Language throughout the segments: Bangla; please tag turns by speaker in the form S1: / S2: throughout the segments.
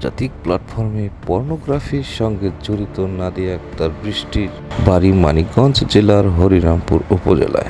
S1: আন্তর্জাতিক প্ল্যাটফর্মে পর্নোগ্রাফির সঙ্গে জড়িত নাদিয়া আক্তার বৃষ্টির বাড়ি মানিকগঞ্জ জেলার হরিরামপুর উপজেলায়।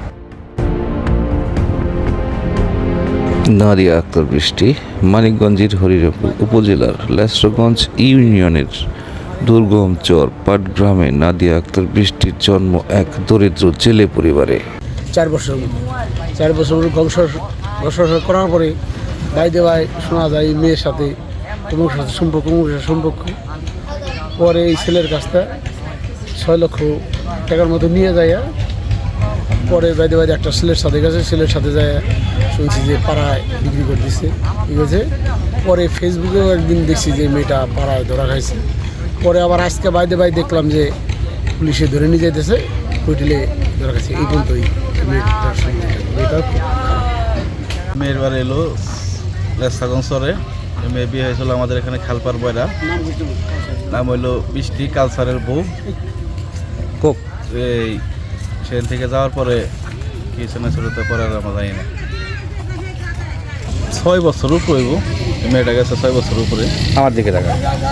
S1: নাদিয়া আক্তার বৃষ্টি মানিকগঞ্জের হরিরামপুর উপজেলার লেসরগঞ্জ ইউনিয়নের দুর্গম চর পাটগ্রামে নাদিয়া আক্তার বৃষ্টির জন্ম এক দরিদ্র জেলে পরিবারে।
S2: 4 বছর ঘর্ষণ করার পরে বাইদে ভাই শোনা যায় এই মেয়ের সাথে তোমার সাথে সম্পর্ক পরে এই ছেলের কাছটা 6 লক্ষ টাকার মতো নিয়ে যায়। পরে বাইদে একটা ছেলের সাথে গেছে, ছেলের সাথে যায় শুনছি যে পাড়ায় বিক্রি করে দিচ্ছে, ঠিক আছে। পরে ফেসবুকেও একদিন দেখছি যে মেয়েটা পাড়ায় ধরা খাইছে। পরে আবার আজকে বাইদে দেখলাম যে পুলিশে ধরে নিয়ে যাইতেছে, হোটেলে ধরা খাইছে। এই পর্যন্তই মেয়েটার
S3: মেয়ের বাড়ি এলো লেসরগঞ্জ চরে। মেয়ে বিয়ে হয়েছিল আমাদের এখানে খালপার বয়রা। নাম হইলো বৃষ্টি, কালচারের বউ। এই সেখান থেকে যাওয়ার পরে কিছু না ছোটোতে পরে আর আমরা জানি না। 6 বছর উপরে মেয়েটা গেছে, 6 বছর উপরে।
S4: আমার দিকে টাকা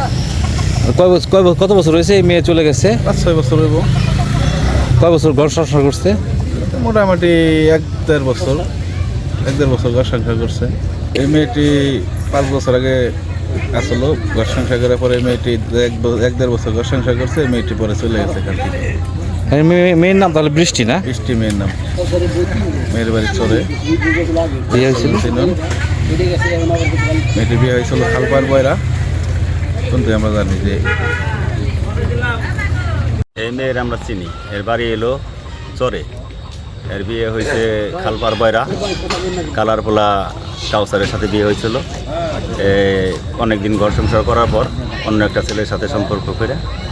S4: কত বছর হয়েছে এই মেয়ে চলে গেছে?
S3: 5-6 বছর হইব।
S4: কয় বছর ঘর সংসার করছে?
S3: মোটামুটি 1-1.5 বছর ঘর সংসার করছে। এই মেয়েটি 5 বছর আগে আসলো ঘর সংসার করার পরে মেয়েটি 1-1.5 বছর ঘর সংসার করছে। এই মেয়েটি পরে চলে গেছে এখান থেকে।
S4: মেয়ের নাম তাহলে বৃষ্টি না?
S3: বৃষ্টি মেয়ের নাম। মেয়ের বাড়ি চলে
S4: বিয়ে হয়েছিল।
S3: মেয়েটির বিয়ে হয়েছিল খালপার বয়রা। কিন্তু আমরা জানি যে
S5: এই মেয়ের আমরা চিনি, এর বাড়ি এলো চরে। এর বিয়ে হয়েছে খালপার বয়রা, কালারপোলা কাউসারের সাথে বিয়ে হয়েছিল। অনেকদিন ঘর সংসার করার পর অন্য একটা ছেলের সাথে সম্পর্ক করে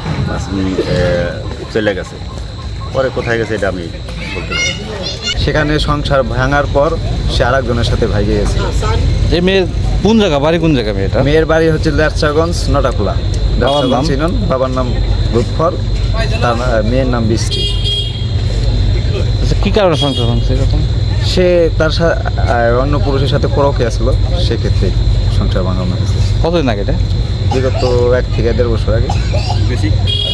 S5: চলে গেছে। পরে কোথায় গেছে এটা আমি বলতে পারি।
S6: সেখানে সংসার ভাঙার পর সে আরেকজনের সাথে ভাইগে গেছে।
S4: এই মেয়ের কোন জায়গা বাড়ি, কোন জায়গা মেয়েটা?
S6: মেয়ের বাড়ি হচ্ছে লেরচাগঞ্জ নটাখোলা।
S4: বাবার নাম?
S6: চিনুন, বাবার নাম রূপফল, তার মেয়ের নাম বৃষ্টি।
S4: আচ্ছা, কি কারণে সংসার ভাঙছে এরকম?
S6: সে তার অন্য পুরুষের সাথে পরকীয়া ছিল, সেক্ষেত্রে সংসার ভাঙানো হয়েছে।
S4: কতদিন আগে এটা?
S6: বিগত 1 থেকে 1.5 বছর আগে।
S5: বেশি